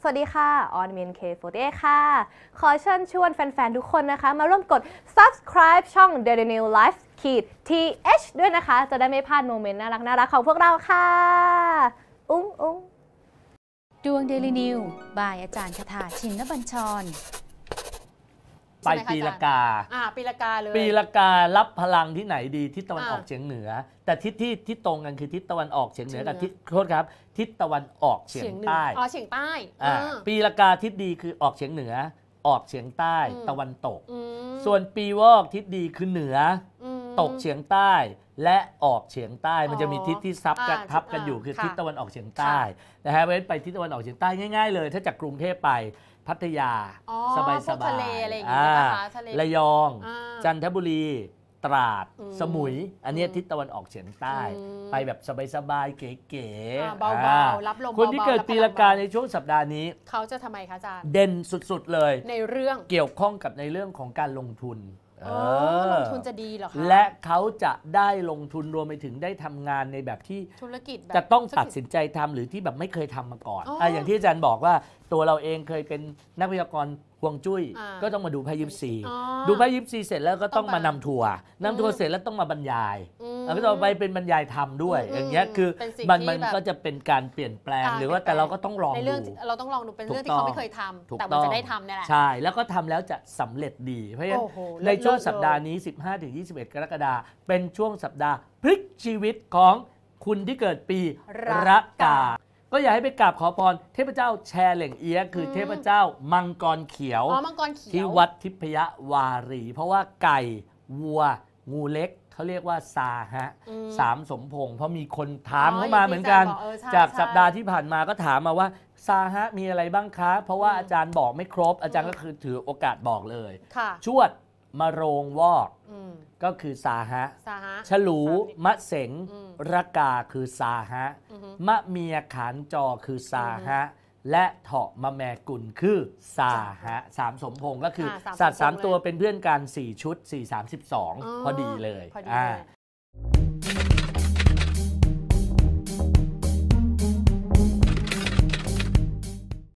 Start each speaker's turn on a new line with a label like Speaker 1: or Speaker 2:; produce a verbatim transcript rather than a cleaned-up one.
Speaker 1: สวัสดีค่ะออนเมน เค โฟร์ตี้เอท ค่ะขอเชิญชวนแฟนๆ ทุกคนนะคะมาร่วมกด subscribe ช่อง Daily New Life ขีด ที เอช ด้วยนะคะจะได้ไม่พลาดโมเมนต์น่ารักน่ารักของพวกเราค่ะอุ้งอุ้ง
Speaker 2: ดวง Daily New บ่ายอาจารย์คทาชินบัญชร
Speaker 3: ไปปีละกา
Speaker 4: อ่าปีละกาเลย
Speaker 3: ปีละการับพลังที่ไหนดีทิศตะวันออกเฉียงเหนือแต่ทิศที่ที่ตรงกันคือทิศตะวันออกเฉียงเหนือกับทิศโทษครับทิศตะวันออกเฉียงใต้
Speaker 4: อ๋อเฉียงใต้
Speaker 3: ปีละกาทิศดีคือออกเฉียงเหนือออกเฉียงใต้ตะวันตกส่วนปีวอกทิศดีคือเหนือตกเฉียงใต้และออกเฉียงใต้มันจะมีทิศที่ซับกันทับกันอยู่คือทิศตะวันออกเฉียงใต้นะฮะเว้นไปทิศตะวันออกเฉียงใต้ง่ายๆเลยถ้าจากกรุงเทพไปพัทยาสบายสบายระยองจันทบุรีตราดสมุยอันนี้ทิศตะวันออกเฉียงใต้ไปแบบสบายๆเก๋
Speaker 4: ๆเบาๆรับลม
Speaker 3: คนที่เกิดปีละกาในช่วงสัปดาห์นี้
Speaker 4: เขาจะทำไมคะอาจารย์
Speaker 3: เด่นสุดๆเลย
Speaker 4: ในเรื่อง
Speaker 3: เกี่ยวข้องกับในเรื่องของการลงทุน
Speaker 4: ลงทุนจะดีเหรอคะ
Speaker 3: และเขาจะได้ลงทุนรวมไปถึงได้ทำงานในแบบที่
Speaker 4: ธุรกิจ
Speaker 3: จะต้องตัดสินใจทำหรือที่แบบไม่เคยทำมาก่อนอ่ะอย่างที่อาจารย์บอกว่าตัวเราเองเคยเป็นนักพยากรณ์ฮวงจุ้ยก็ต้องมาดูไพ่ยิปซีดูไพ่ยิปซีเสร็จแล้วก็ต้องมานำทัวร์นำทัวร์เสร็จแล้วต้องมาบรรยายแล้วก็ต่อไปเป็นบรรยายธรรมด้วยอย่างเงี้ยคือมันมันก็จะเป็นการเปลี่ยนแปลงหรือว่าแต่เราก็ต้องลองดู
Speaker 4: เราต้องลองดูเป็นเรื่องที่เขาไม่เคยทำแต่มันจะได้ทำนี่แหละ
Speaker 3: ใช่แล้วก็ทำแล้วจะสำเร็จดีเพราะฉะนั้นในช่วงสัปดาห์นี้ สิบห้าถึงยี่สิบเอ็ด กรกฎาคมเป็นช่วงสัปดาห์พลิกชีวิตของคุณที่เกิดปีรากาก็อยากให้ไปกราบขอพรเทพเจ้าแชเหล่งเอี้ยคือเทพเจ้ามังกรเขียวที่วัดทิพยวารีเพราะว่าไก่วัวงูเล็กเขาเรียกว่าซาฮะสามสมพงษ์เพราะมีคนถามเข้ามาเหมือนกันจากสัปดาห์ที่ผ่านมาก็ถามมาว่าซาฮะมีอะไรบ้างคะเพราะว่าอาจารย์บอกไม่ครบอาจารย์ก็คือถือโอกาสบอกเลยชวดมะโรงวอกก็คือซาฮะฉลูมะเสงรกาคือซาฮะมะเมียขานจอคือซาฮะและเถาะมะแมกุลคือซาฮะสามสมพงษ์ก็คือสัตว์สามตัวเป็นเพื่อนกันสี่ชุดสี่ สามสิบสองพอดีเลย